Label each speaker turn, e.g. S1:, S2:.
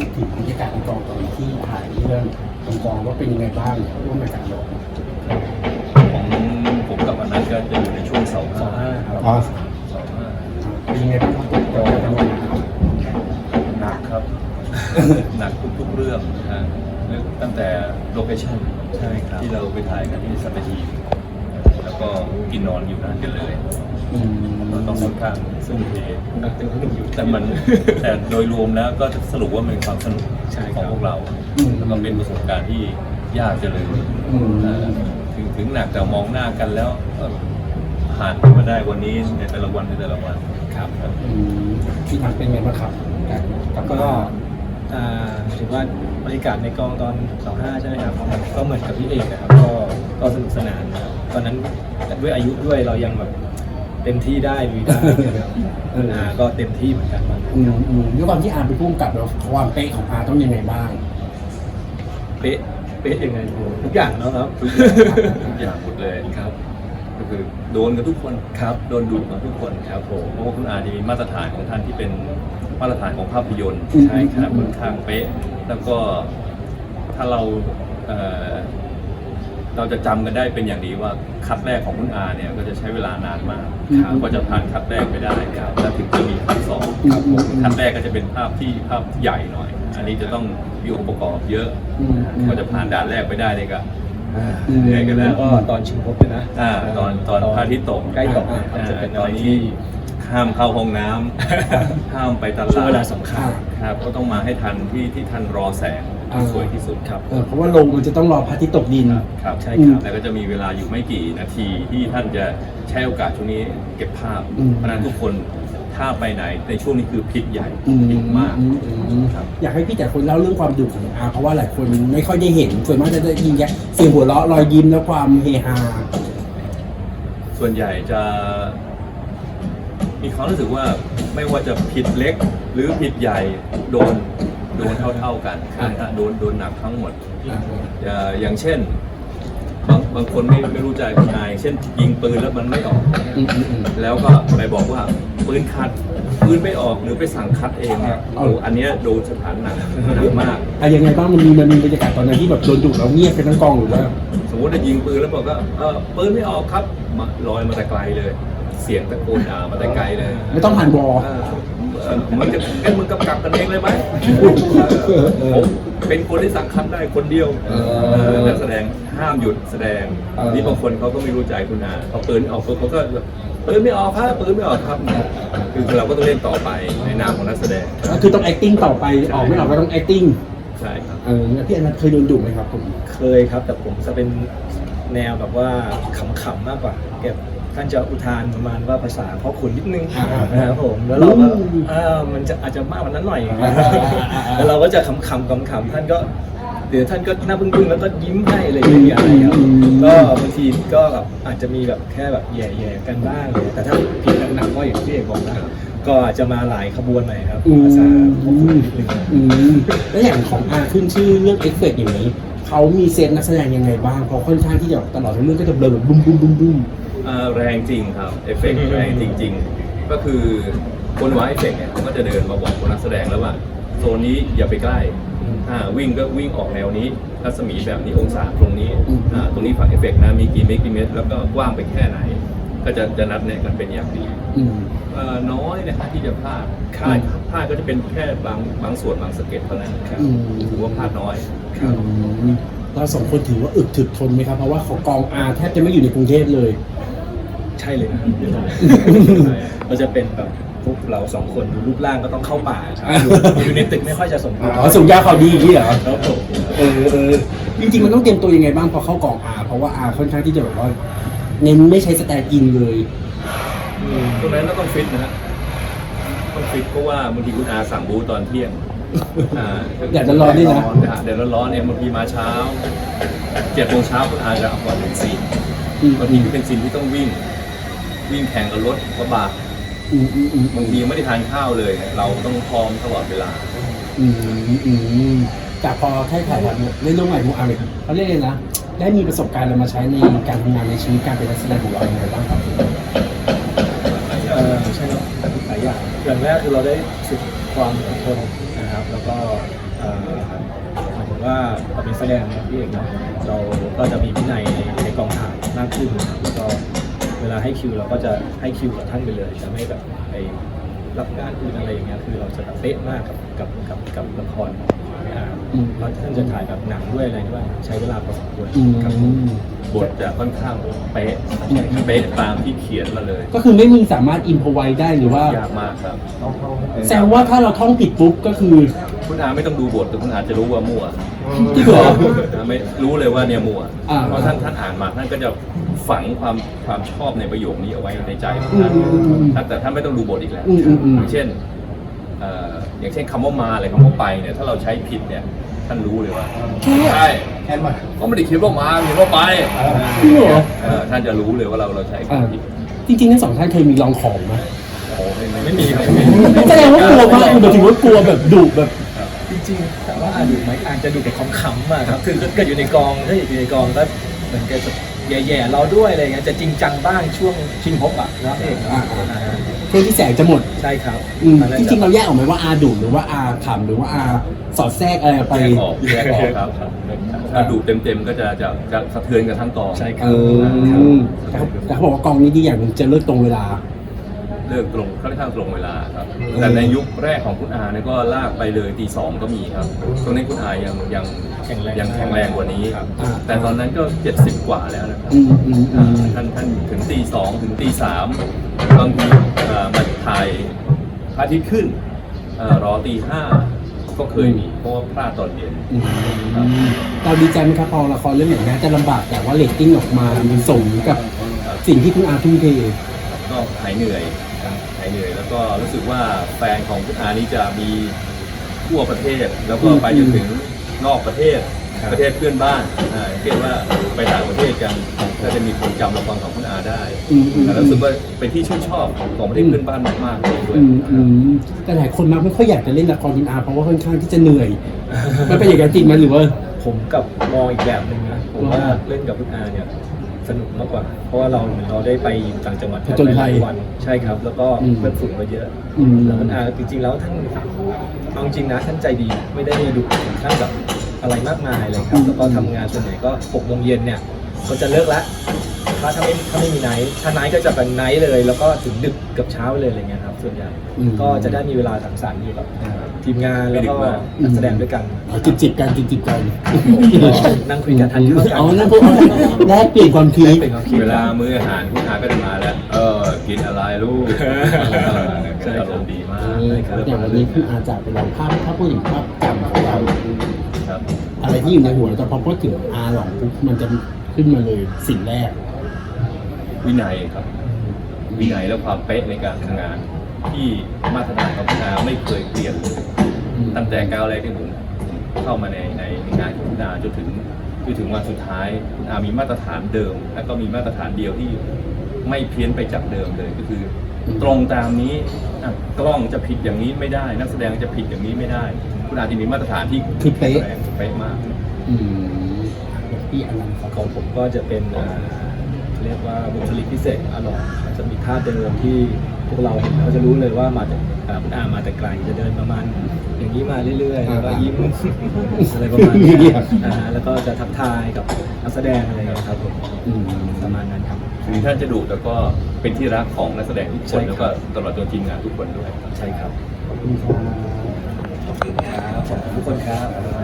S1: ถึงบรรยากาศในกองตอนที่ถ่ายเรื่องกองว่าเป็นยังไงบ้างร่วมในการลง
S2: ผมกับอนันต์ก็จะอยู่ในช่วงเสาห้าครับ
S1: อ๋อ
S2: เสาห้า
S1: เป็นยังไงบ้างครับกองทำงานครับ
S2: หนักครับ หนักทุกๆเรื่องนะตั้งแต่โลเคชั่นที่เราไปถ่ายกันที่สัตหีบแล้วก็กินนอนอยู่นานกันเลยเราต้องค่อนข้างซึ่งเทแต่มัน แต่โดยรวมแล้วก็สรุปว่ามันเป็นความสนุกของพวกเราแล้วก็เป็นประสบการณ์ที่ยากจะเลยถึงหนักแต่มองหน้ากันแล้วผ่านมาได้วันนี้ในแต่ละวันครับ
S1: ที่ทางเป็นไงบ้างครับ
S3: ก็ถือว่าบรรยากาศในกองตอน25ใช่ไหมครับก็เหมือนกับพี่เอกนะครับก็สนุกสนานนะครับตอนนั้นด้วยอายุด้วยเรายังแบบเต็มที่ได้ลุยได้ก็เต็มที่เหมือนกัน
S1: ด้วยความที่อาร์เป็นผู้กำกับแล้วความเป๊ะของอาร์ต้องยังไงบ้าง
S3: เป๊ะยังไงทุกอย่างเนาะครับ
S2: ทุกอย่างหมดเลย
S3: ครับ
S2: ก็คือโดนกับทุกคน
S3: ครับ
S2: โดนดุกับทุกคนครับผมเพราะว่าคุณอาจะมีมาตรฐานของท่านที่เป็นมาตรฐานของภาพยนตร์ใช่ครับค่อนข้างเป๊ะแล้วก็ถ้าเราจะจำกันได้เป็นอย่างดีว่าคัดแรกของคุณอาเนี่ยก็จะใช้เวลานานมากกว่าจะผ่านคัดแรกไปได้แล้วถึงจะมีคัดสองคัดแรกก็จะเป็นภาพใหญ่หน่อยอันนี้จะต้องมีองค์ประกอบเยอะกว่าจะผ่านด่านแรกไปได้เนี่ยก็เหนื่อยกันแล้ว
S3: ก็ตอนชิงพบเลยนะ
S2: ตอนพระอาทิตย์ตก
S3: ใกล้ตกจะเป็นตอนที่
S2: ห้ามเข้าห้องน้ำห้ามไปตลาด
S3: ช่วงเวลาสำคัญ
S2: ครับก็ต้องมาให้ทันที่ท่านรอแสงสวยที่สุดครับ
S1: เพราะว่าลงมันจะต้องรอพระอาทิตย์ตกดิน
S2: ครับใช่ครับแล้วก็จะมีเวลาอยู่ไม่กี่นาทีที่ท่านจะใช้โอกาสช่วงนี้เก็บภาพเพราะนั้นทุกคนถ้าไปไหนในช่วงนี้คือพลิกใหญ่พลิกมาก
S1: ครับอยากให้พี่แต่คนเล่าเรื่องความดุของอาเพราะว่าหลายคนไม่ค่อยได้เห็นส่วนมากจะได้ยินแค่เสียงหัวเราะรอยยิ้มและความเฮฮา
S2: ส่วนใหญ่จะมีความรู้สึกว่าไม่ว่าจะผิดเล็กหรือผิดใหญ่โดนเท่ากันโดนหนักทั้งหมดอย่างเช่นบางคนไม่รู้ใจคุณนายเช่นยิงปืนแล้วมันไม่ออกแล้วก็ไปบอกว่าปืนคัดปืนไม่ออกหรือไปสั่งคัดเองอันนี้โดนสถานหนักมาก
S1: ยังไงบ้างมันมีบรรยากาศตอนนั้นที่แบบโดนดุแล้วเงียบเป็นทั้งกองหรือว่า
S2: สมมติจะยิงปืนแล้วบอกว่าปืนไม่ออกครับลอยมาแต่ไกลเลยเสียงตะโกนด่ามาแต่ไกลเลย
S1: ไม่ต้องผ่านวอ
S2: มึงกำกับกันเองเลยไหมผมเป็นคนที่สั่งคัดได้คนเดียวนักแสดงห้ามหยุดแสดงนี่บางคนเขาก็ไม่รู้ใจคุณอาพอปืนออกเขาก็ปืนไม่ออกครับปืนไม่ออกครับคือเราก็ต้องเล่นต่อไปในนามของนักแสดง
S1: ก็คือต้อง acting ต่อไปออกไม่ออกก็ต้อง acting
S2: ใช่ครับ
S1: พี่อนันต์เคยโดนดุไหมครับผม
S3: เคยครับแต่ผมจะเป็นแนวแบบว่าขำๆมากกว่าเก็บท่านจะอุทานประมาณว่าภาษาพ่อขุนนิดนึงนะครับผมแล้วเราก็มันจะอาจจะมากกว่านั้นหน่อยแล้วเราก็จะขำท่านก็เดี๋ยวท่านก็หน้าบึ้งๆแล้วก็ยิ้มให้อะไรอย่างเงี้ยครับก็บางทีก็แบบอาจจะมีแบบแค่แบบแย่ๆกันบ้างแต่ถ้าผิดหนักๆก็อย่างที่เอกบอกนะก็อาจจะมาหลายขบวนหน่อยครับภาษาพ่อขุนนิดนึง
S1: แล้วอย่างของอาขึ้นชื่อเรื่องเอฟเฟกต์อย่างนี้เขามีเซตนักแสดงยังไงบ้างเพราะค่อนข้างที่จะตลอดทั้งเรื่องก็จะเบลอแบบบุ้ม
S2: แรงจริงครับเอฟเฟกต์แรงจริงๆก็คือคนวางเอฟเฟกต์เนี่ยเขาก็จะเดินมาบอกคนนักแสดงแล้วว่าโซนนี้อย่าไปใกล้วิ่งก็วิ่งออกแนวนี้รัศมีแบบนี้องศาตรงนี้ตรงนี้ฝังเอฟเฟกต์นะมีกี่เมตรแล้วก็กว้างไปแค่ไหนก็จะนัดแนะกันเป็นอย่างดีน้อยนะที่จะพลาดก็จะเป็นแค่บางส่วนบางสเก็ตเท่านั้นครับถือว่าพลาดน้อย
S1: เราสองคนถือว่าอึดถึกทนไหมครับเพราะว่าของกองอาแทบจะไม่อยู่ในกรุงเทพเลย
S3: ใช่เลยนะเราจะเป็นแบบพวกเราสองคนดูรูปร่างก็ต้องเข้าป่าอยู่ในตึกไม่ค่อยจะสมบูรณ์
S1: ส่งยาเขาดีอย่างนี้เหรอจริงๆมันต้องเตรียมตัวยังไงบ้างพอเข้ากองอาเพราะว่าอาค่อนข้างที่จะแบบว่าเน้นไม่ใช้สแตนด์อินเลย
S2: ตรงนั้นก็ต้องฟิตนะฮะต้องฟิตเพราะว่าบางทีคุณอาสั่งบูตอนเที่ยง
S1: อยากจะร้อนนี่นะ
S2: เดี๋ยวร้อนเนี่ยบางทีมาเช้า7 โมงเช้าคุณอาจะเอาก่อนเป็นซีนบางทีเป็นซีนที่ต้องวิ่งแข่งกับรถกระบะบางทีไม่ได้ทานข้าวเลยเราต้องพร้อมตลอดเวลา
S1: จากพอถ่ายเล่นเรื่องใหม่มูอาร์เขาเรียกเลยนะได้มีประสบการณ์อะไรมาใช้ในการทำงานในชีวิตการเป็นนักแสดงของเราอย่างไรบ้างครับ
S3: ใช่ครับหลายอย่างแรกคือเราได้ฝึกความอดทนนะครับแล้วก็หมายถึงว่าเราเป็นแสดงนะพี่เอกเนาะเราก็จะมีวินัยในกองถ่ายมากขึ้นนะครับแล้วก็เวลาให้คิวเราก็จะให้คิวกับท่านไปเลยจะไม่แบบไปรับงานอื่นอะไรอย่างเงี้ยคือเราจะแบบเป๊ะมากกับละครเพราะท่านจะถ่ายแบบหนังด้วยอะไรด้วยใช้เวลาพอสมควรครับผม
S2: บทจะค่อนข้างเป๊ะตามที่เขียนมาเลย
S1: ก็คือไม่มีสามารถอินพอไว้ได้หรือว่าย
S2: ากมากครับ
S1: แสดงว่าถ้าเราท่องผิดปุ๊บก็คือ
S2: คุณอาไม่ต้องดูบทแต่คุณอาจะรู้ว่ามั่ว
S1: ที่เหรอ
S2: ไม่รู้เลยว่าเนี่ยมั่ว
S1: อ่า
S2: เพราะท่านอ่านมาท่านก็จะฝังความชอบในประโยคนี้เอาไว้ในใจของท่านแต่ท่านไม่ต้องดูบทอีกแล้วอย่างเช่นอย่างเช่นคำว่ามาอะไรคำว่าไปเนี่ยถ้าเราใช้ผิดเนี่ยท่านรู้เลยว่าใช่แค่มาก็ไม่ได้คิดว่ามาเขียนว่าไป
S1: จริงเหรอ
S2: ท่านจะรู้เลยว่าเราใช้คำผิด
S1: จริงๆทั้งสองท่านเคยมีลองของไหม
S2: โอ้
S3: ไม่มีครับ
S1: แสดงว่ากลัวมากหมายถึงว่ากลัวแบบดุแบบ
S3: จริงๆแต่ว่าดูไหมอาจจะดูแต่ขำๆอะครับคือก็อยู่ในกองถ้าอยู่ในกองก็เหมือนจะแย่ๆเราด้วยอะไรเงี้ยจะจริงจังบ้างช่วงชิงพบอะนะเอง
S1: เพื่อที่แสงจะหมด
S3: ใช่ครับ
S1: จริงๆเราแยกออกไหมว่าอาดุหรือว่าอาขำหรือว่าอาสอดแทรกอะไรไป
S2: แยกออกครับถ้าดูเต็มๆก็จะสะเทือนกันทั้งกอง
S3: ใช่ครั
S1: แต่เขาบอกว่ากองนี้ดีอย่างหนึงจะเลิกตรงเวลา
S2: เลิกตรงค่อนข้างตรงเวลาครับแต่ในยุคแรกของคุณอาเนี่ยก็ลากไปเลยตี 2ก็มีครับตรงนี้คุณอายังแข็งแรงกว่านี้ครับแต่ตอนนั้นก็70กว่าแล้วนะครับท่านถึงตี 2ถึงตี 3บางทีมาถ่ายพระอาทิตย์ขึ้นรอตี 5ก็เคยมีเพราะว่าพลาดตอนเย็น
S1: เราดีใจไหมครับพอละครเรื่องไหนนะจะลำบากแต่ว่าเรตติ้งออกมามันสมกับสิ่งที่คุณอาทุ่มเท
S2: ก็หายเหนื่อยแล้วก็รู้สึกว่าแฟนของคุณอานี่จะมีทั่วประเทศ แล้วก็ไปจนถึงนอกประเทศประเทศเพื่อนบ้านเรียกว่าไปต่างประเทศกันก็จะมีคนจำละครของคุณอาได้แล้วรู้สึกว่าเป็นที่ชื่นชอบของประเทศเพื่อนบ้านมากๆเลยด้วย
S1: แต่หลายคนมักไม่ค่อยอยากจะเล่นละครคุณอาเพราะว่าค่อนข้างที่จะเหนื่อยมันเป็นอย่างนั้นจริงไหมหรือว่า
S3: ผมกับมองอีกแบบหนึ่งนะผมว่าเล่นกับคุณอาเนี่ยสนุกมากกว่าเพราะว่าเราได้ไปต่างจังหวัดหลายวันใช่ครับแล้วก็เพื่อนฝูงก็เยอะแล้วคุณอาจริงๆแล้วท่านเอาจริงนะท่านใจดีไม่ได้ดุถึงขั้นแบบอะไรมากมายเลยครับแล้วก็ทำงานส่วนใหญ่ก็6 โมงเย็นเนี่ยก็จะเลิกแล้วถ้าไม่มีไนท์ถ้าไนท์ก็จะเป็นไนท์เลยแล้วก็ถึงดึกกับเช้าเลยอะไรเงี้ยครับส่วนใหญ่ก็จะได้มีเวลาสังสรรค์อยู่กับทีมงานแล้วก็นักแสดงด้วยกัน
S1: จิบกัน
S3: นั่งคุยกันทานข้าวกัน
S1: อ๋อนั่นพวกแลกเปลี่ยนความคิด
S2: เวลามื้ออาหารคุณอาก็จะมาแล้วกินอะไรลูกอารมณ์ดีมาก
S1: อย่างวันนี้คืออาจากไปเราภาพถ้าพูดถึงภาพจำของเรา
S2: ครับ
S1: อะไรที่อยู่ในหัวแต่พอพูดถึงอาหลองปุ๊บมันจะขึ้นมาเลยสิ่งแรก
S2: วินัยครับวินัยและความเป๊ะในการทำงาน ที่มาตรฐานของคุณอาไม่เคยเปลี่ยนเลยตั้งแต่ก้าวแรกที่ผมเข้ามาในงานของคุณอาจนถึงวันสุดท้ายคุณอามีมาตรฐานเดิม และก็มีมาตรฐานเดียวที่ไม่เพี้ยนไปจากเดิมเลยก็คือ ตรงตามนี้กล้องจะผิดอย่างนี้ไม่ได้ นักแสดงจะผิดอย่างนี้ไม่ได้ คุณอาจะมีมาตรฐานที่
S1: คือเป๊ะ
S2: เป๊ะมาก
S1: พี่อนันต์ครับ
S3: ของผมก็จะเป็นเรียกว่าบุคลิกพิเศษอร่อยจะมีท่าเดินที่พวกเราเห็นเราจะรู้เลยว่ามาจากคุณอามาแต่ไกลจะเดินประมาณอย่างนี้มาเรื่อยๆแล้วก็ยิ้มอะไรประมาณนี้แล้วก็จะทักทายกับนักแสดงอะไรครับผมประมาณนั้นครับ
S2: ถึงท่านจะดุแต่ก็เป็นที่รักของนักแสดงทุกคนแล้วก็ตลอดจนทีมงานทุกคนด้วย
S3: ใช่ครับ
S1: ขอบคุณครับ
S3: ขอบคุณครับขอบคุณทุกคนครับ